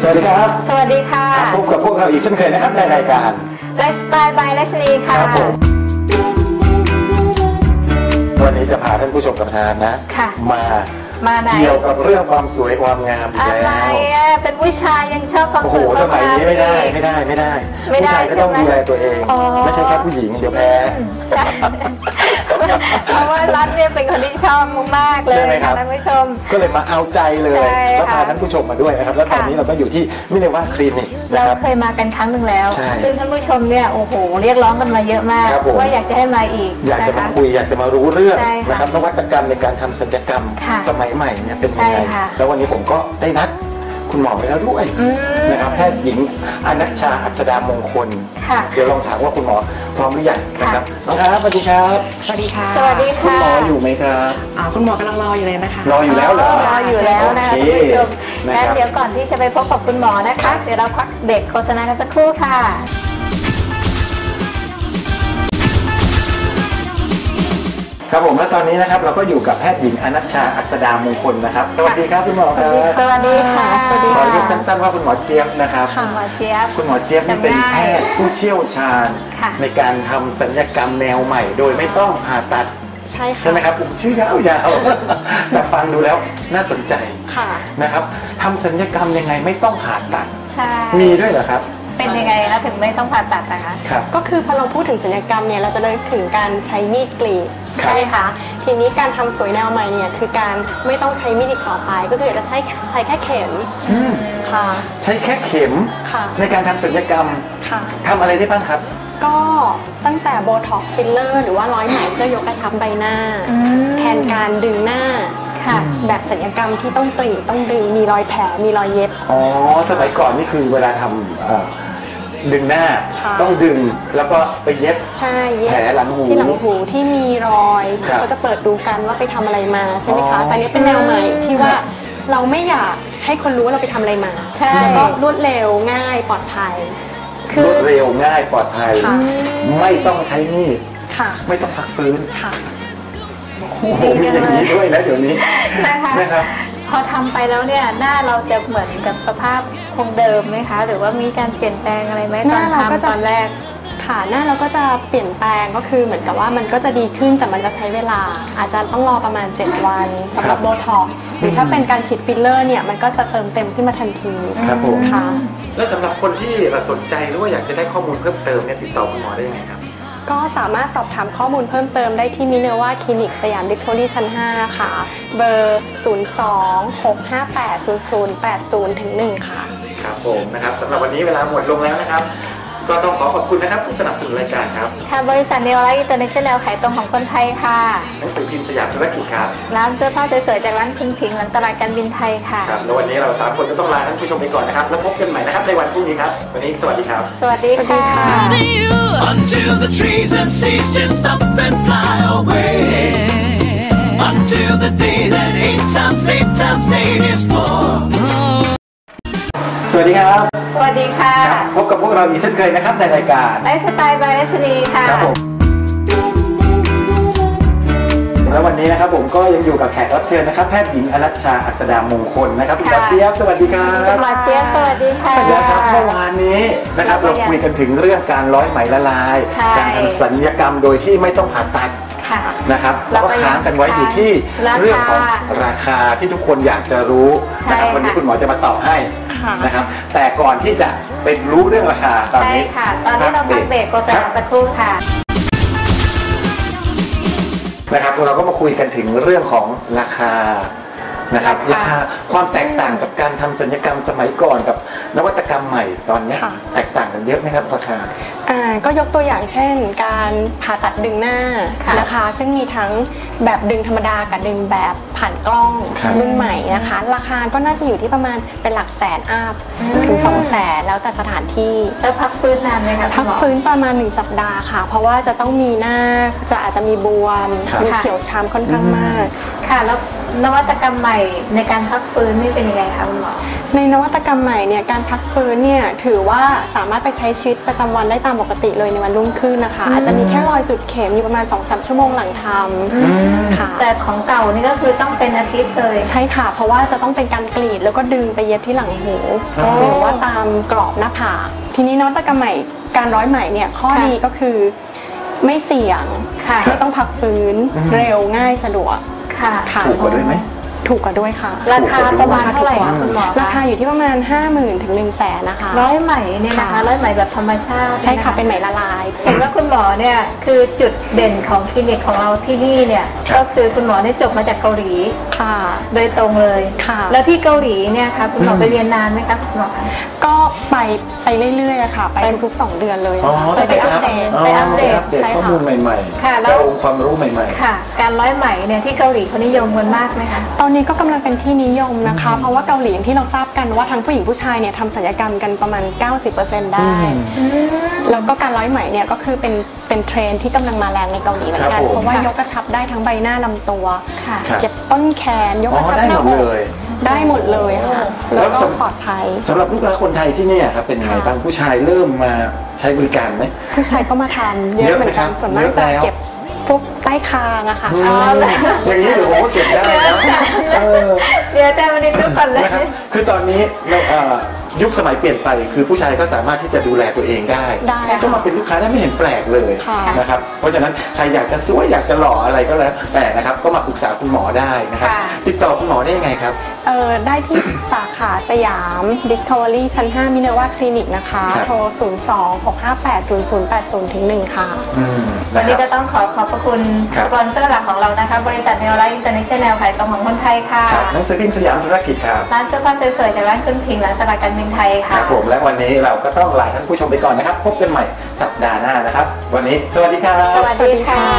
วัสดีครับสวัสดีค่ะพบกับพวกเราอีกเช่นเคยนะครับในรายการไลฟ์สไตล์บายรัชนีค่ะครับผมวันนี้จะพาท่านผู้ชมกับทานนะมาเกี่ยวกับเรื่องความสวยความงามอะไรเป็นผู้ชายยังชอบความสวยสมัยนี้ไม่ได้ผู้ชายก็ต้องดูแลตัวเองไม่ใช่แค่ผู้หญิงเดี๋ยวแพ้ใช่เพราะว่ารัฐเนี่ยเป็นคนที่ชอบมากๆเลยค่ะท่านผู้ชมก็เลยมาเอาใจเลยแล้วพาท่านผู้ชมมาด้วยนะครับแล้วตอนนี้เราก็อยู่ที่มิเนวาคลินิกเราเคยมากันครั้งหนึ่งแล้วซึ่งท่านผู้ชมเนี่ยโอ้โหเรียกร้องกันมาเยอะมากว่าอยากจะให้มาอีกอยากจะมาคุยอยากจะมารู้เรื่องนะครับนวัตกรรมในการทำศัลยกรรมสมัยใหม่เนี่ยเป็นยังไงแล้ววันนี้ผมก็ได้นัดคุณหมอไปแล้วด้วยนะครับแพทย์หญิงอนัชชาอัศดามงคลเดี๋ยวลองถามว่าคุณหมอพร้อมหรือยังนะครับน้องครับสวัสดีครับสวัสดีค่ะสวัสดีค่ะคุณหมออยู่ไหมครับคุณหมอกำลังรออยู่เลยนะคะรออยู่แล้วเหรอรออยู่แล้วนะคะคุณผู้ชมงั้นเดี๋ยวก่อนที่จะไปพบกับคุณหมอนะคะเดี๋ยวเราพักเบรกโฆษณากันสักครู่ค่ะครับผมและตอนนี้นะครับเราก็อยู่กับแพทย์หญิงอนัชชาอัศดามงคลนะครับสวัสดีครับคุณหมอครับสวัสดีค่ะสวัสดีขอเรียกสั้นๆว่าคุณหมอเจี๊ยบนะครับคุณหมอเจี๊ยบคุณหมอเจี๊ยบนี่เป็นแพทย์ผู้เชี่ยวชาญในการทำศัลยกรรมแนวใหม่โดยไม่ต้องผ่าตัดใช่ไหมครับผมชื่อยาวๆแต่ฟังดูแล้วน่าสนใจนะครับทำศัลยกรรมยังไงไม่ต้องผ่าตัดมีด้วยเหรอครับเป็นยังไงคะถึงไม่ต้องผ่าตัดนะคะก็คือพอเราพูดถึงศัลยกรรมเนี่ยเราจะนึกถึงการใช้มีดกรีดใช่ไหมคะทีนี้การทำสวยแนวใหม่เนี่ยคือการไม่ต้องใช้มีดอีกต่อไปก็คือจะใช้แค่เข็มค่ะใช้แค่เข็มในการทำศัลยกรรมทำอะไรได้บ้างครับก็ตั้งแต่โบท็อกซ์ฟิลเลอร์หรือว่าร้อยไหมเพื่อยกกระชับใบหน้าแทนการดึงหน้าแบบศัลยกรรมที่ต้องกรีดต้องดึงมีรอยแผลมีรอยเย็บสมัยก่อนนี่คือเวลาทำดึงหน้าต้องดึงแล้วก็ไปเย็บแผลหลังหูที่หลังหูที่มีรอยเขาจะเปิดดูกันว่าไปทำอะไรมาใช่ไหมคะแต่นี้เป็นแนวใหม่ที่ว่าเราไม่อยากให้คนรู้ว่าเราไปทำอะไรมาแล้วก็รวดเร็วง่ายปลอดภัยรวดเร็วง่ายปลอดภัยไม่ต้องใช้มีดไม่ต้องพักฟื้นโอ้โหมีอย่างนี้ด้วยนะเดี๋ยวนี้นะครับพอทำไปแล้วเนี่ยหน้าเราจะเหมือนกับสภาพคงเดิมไหมคะหรือว่ามีการเปลี่ยนแปลงอะไรไหมตอนทำตอนแรกค่ะหน้าเราก็จะเปลี่ยนแปลงก็คือเหมือนกับว่ามันก็จะดีขึ้นแต่มันจะใช้เวลาอาจจะต้องรอประมาณ7 วันสำหรับโบท็อกซ์หรือถ้าเป็นการฉีดฟิลเลอร์เนี่ยมันก็จะเติมเต็มขึ้นมาทันทีครับผมค่ะและสำหรับคนที่สนใจหรือว่าอยากจะได้ข้อมูลเพิ่มเติมเนี่ยติดต่อคุณหมอได้ยังไงครับก็สามารถสอบถามข้อมูลเพิ่มเติมได้ที่มิเนวาคลินิกสยามดิสคัฟเวอรี่ชั้น5ค่ะเบอร์ 02-658-0080-1 ค่ะครับผมนะครับสำหรับวันนี้เวลาหมดลงแล้วนะครับก็ต้องขอบคุณนะครับผู้สนับสนุนรายการครับค่ะบริษัทเนวไลท์อินเตอร์เนชั่นแนลขายตรงของคนไทยค่ะหนังสือพิมพ์สยามธุรกิจครับร้านเสื้อผ้าสวยๆจากร้านคุณพิงหลังตลาดการบินไทยค่ะครับแล้ววันนี้เรา3 คนก็ต้องลาท่านผู้ชมไปก่อนนะครับแล้วพบกันใหม่นะครับในวันพรุ่งนี้ครับวันนี้สวัสดีครับสวัสดีค่ะ Until the trees and seas just up and fly away Until the day that 8 times 8 times 8 is 4 สวัสดีครับสวัสดีค่ะพบกับพวกเราอีกเช่นเคยนะครับในรายการไลฟ์สไตล์บายรัชนีค่ะครับผมแล้ววันนี้นะครับผมก็ยังอยู่กับแขกรับเชิญนะครับแพทย์หญิงอนัชชาอัศดามงคลนะครับคุณหมอเจี๊ยบสวัสดีครับคุณหมอเจี๊ยบสวัสดีค่ะนะครับเมื่อวานนี้นะครับเราคุยกันถึงเรื่องการร้อยไหมละลายการทำศัลยกรรมโดยที่ไม่ต้องผ่าตัดนะครับแล้วก็ค้างกันไว้อยู่ที่เรื่องของราคาที่ทุกคนอยากจะรู้นะครับวันนี้คุณหมอจะมาตอบให้นะครับแต่ก่อนที่จะไปรู้เรื่องราคาตอนนี้ค่ะตอนนี้เราพักเบรกโฆษณาสักครู่ค่ะนะครับเราก็มาคุยกันถึงเรื่องของราคานะครับราคาความแตกต่างกับการทำศัลยกรรมสมัยก่อนกับนวัตกรรมใหม่ตอนนี้แตกต่างกันเยอะไหมครับราคาก็ยกตัวอย่างเช่นการผ่าตัดดึงหน้านะคะซึ่งมีทั้งแบบดึงธรรมดากับดึงแบบผ่านกล้องรุ่นใหม่นะคะราคาก็น่าจะอยู่ที่ประมาณเป็นหลักแสนอัพถึง200,000แล้วแต่สถานที่แล้วพักฟื้นนานไหมคะพักฟื้นประมาณ1 สัปดาห์ค่ะเพราะว่าจะต้องมีหน้าอาจจะมีบวมมีเขียวช้ำค่อนข้างมากค่ะแล้วนวัตกรรมใหม่ในการพักฟื้นนี่เป็นยังไงคะคุณหมอในนวัตกรรมใหม่เนี่ยการพักฟื้นเนี่ยถือว่าสามารถไปใช้ชีวิตประจำวันได้ตามปกติเลยในวันรุ่งขึ้นนะคะอาจจะมีแค่รอยจุดเข็มอยู่ประมาณ 2-3 ชั่วโมงหลังทำค่ะแต่ของเก่านี่ก็คือต้องเป็นอาทิตย์เลยใช่ค่ะเพราะว่าจะต้องเป็นการกรีดแล้วก็ดึงไปเย็บที่หลังหูหรือว่าตามกรอบหน้าผากทีนี้นวัตกรรมใหม่การร้อยไหมเนี่ยข้อดีก็คือไม่เสี่ยงไม่ต้องพักฟื้นเร็วง่ายสะดวกค่ะถูกกว่าด้วยไหมถูกกว่าด้วยค่ะราคาประมาณเท่าไหร่คะคุณหมอราคาอยู่ที่ประมาณ 50,000 ถึง 100,000 นะคะร้อยไหมเนี่ยนะคะร้อยไหมแบบธรรมชาติใช่ค่ะเป็นไหมละลายเห็นว่าคุณหมอเนี่ยคือจุดเด่นของคลินิกของเราที่นี่เนี่ยก็คือคุณหมอได้จบมาจากเกาหลีค่ะโดยตรงเลยค่ะแล้วที่เกาหลีเนี่ยค่ะคุณหมอไปเรียนนานไหมคะคุณหมอก็ไปเรื่อยๆค่ะไปทุกๆ2 เดือนเลยไปอัปเดตข้อมูลใหม่ๆค่ะแล้วองค์ความรู้ใหม่ๆค่ะการร้อยไหมเนี่ยที่เกาหลีเขานิยมกันมากไหมคะตอนนี้ก็กำลังเป็นที่นิยมนะคะเพราะว่าเกาหลีอย่างที่เราทราบกันว่าทั้งผู้หญิงผู้ชายเนี่ยทำศัลยกรรมกันประมาณ 90% ได้แล้วก็การร้อยไหมเนี่ยก็คือเป็นเทรนที่กำลังมาแรงในเกาหลีเหมือนกันเพราะว่ายกกระชับได้ทั้งใบหน้าลำตัวเก็บต้นแขนยกกระชับหน้าอกได้หมดเลยค่ะแล้วก็ปลอดภัยสำหรับลูกค้าคนไทยที่นี่ครับเป็นยังไงบ้างผู้ชายเริ่มมาใช้บริการไหมผู้ชายก็มาทำเยอะเหมือนกันส่วนมากจะเก็บพวกใต้คางอะค่ะอย่างนี้เดี๋ยวผมก็เก็บได้นะเดี๋ยวแต่วันนี้ทุกคนเลยคือตอนนี้ยุคสมัยเปลี่ยนไปคือผู้ชายก็สามารถที่จะดูแลตัวเองได้ก็มาเป็นลูกค้าได้ไม่เห็นแปลกเลยนะครับเพราะฉะนั้นใครอยากจะสวยอยากจะหล่ออะไรก็แล้วแต่นะครับก็มาปรึกษาคุณหมอได้นะครับติดต่อคุณหมอได้ยังไงครับได้ที่สาขาสยาม Discovery ชั้น 5 มิเนวาคลินิกนะคะโทร 02-658-0080-1 ค่ะวันนี้ก็ต้องขอบพระคุณสปอนเซอร์หลักของเรานะคะบริษัทเนลไลท์อินเตอร์เนชั่นแนลขายตรงของคนไทยค่ะหนังสือพิมพ์สยามธุรกิจครับร้านเสื้อผ้าสวยๆจากร้านขึ้นพิงร้านตลาดการบินไทยค่ะครับผมและวันนี้เราก็ต้องลาท่านผู้ชมไปก่อนนะครับพบกันใหม่สัปดาห์หน้านะครับวันนี้สวัสดีครับสวัสดีค่ะ